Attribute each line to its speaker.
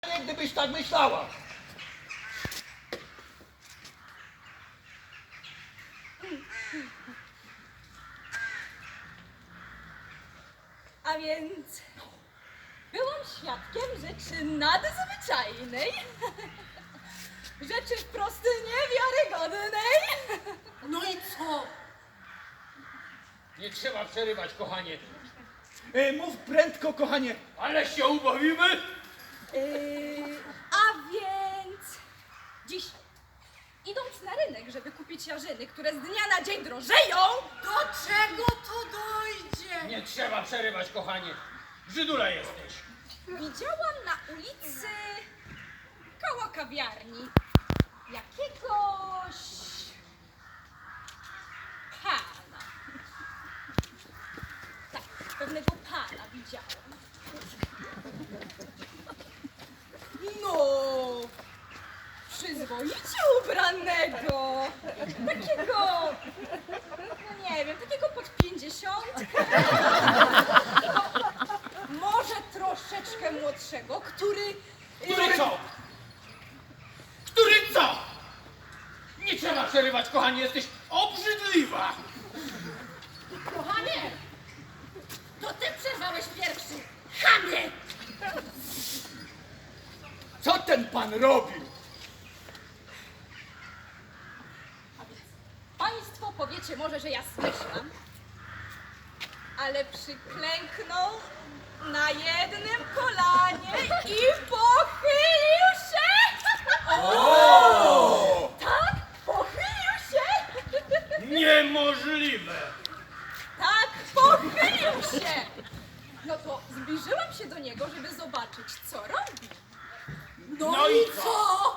Speaker 1: Gdybyś tak myślała.
Speaker 2: A więc byłam świadkiem rzeczy nadzwyczajnej, rzeczy wprost niewiarygodnej.
Speaker 3: No i co?
Speaker 4: Nie trzeba przerywać, kochanie.
Speaker 1: Mów prędko, kochanie.
Speaker 4: Ale się ubawimy?
Speaker 2: A więc dziś, idąc na rynek, żeby kupić jarzyny, które z dnia na dzień drożeją,
Speaker 3: Do czego to dojdzie?
Speaker 4: Nie trzeba przerywać, kochanie. Żydula jesteś.
Speaker 2: widziałam na ulicy koło kawiarni jakiegoś pana. Tak, pewnego pana widziałam. No, przyzwoicie ubranego, takiego, no nie wiem, takiego pod 50. Może troszeczkę młodszego, który...
Speaker 4: Który co? Który co? Nie trzeba przerywać, kochanie, jesteś obrzydliwa.
Speaker 3: Kochanie! To ty przerwałeś pierwszy! Chamie!
Speaker 1: Co ten pan robił?
Speaker 2: Państwo powiecie może, że ja zmyślam, ale przyklęknął na jednym kolanie i pochylił się! Tak, pochylił się!
Speaker 4: Niemożliwe.
Speaker 2: Tak, pochylił się! No to zbliżyłam się do niego, żeby zobaczyć, co robi.
Speaker 3: No i co?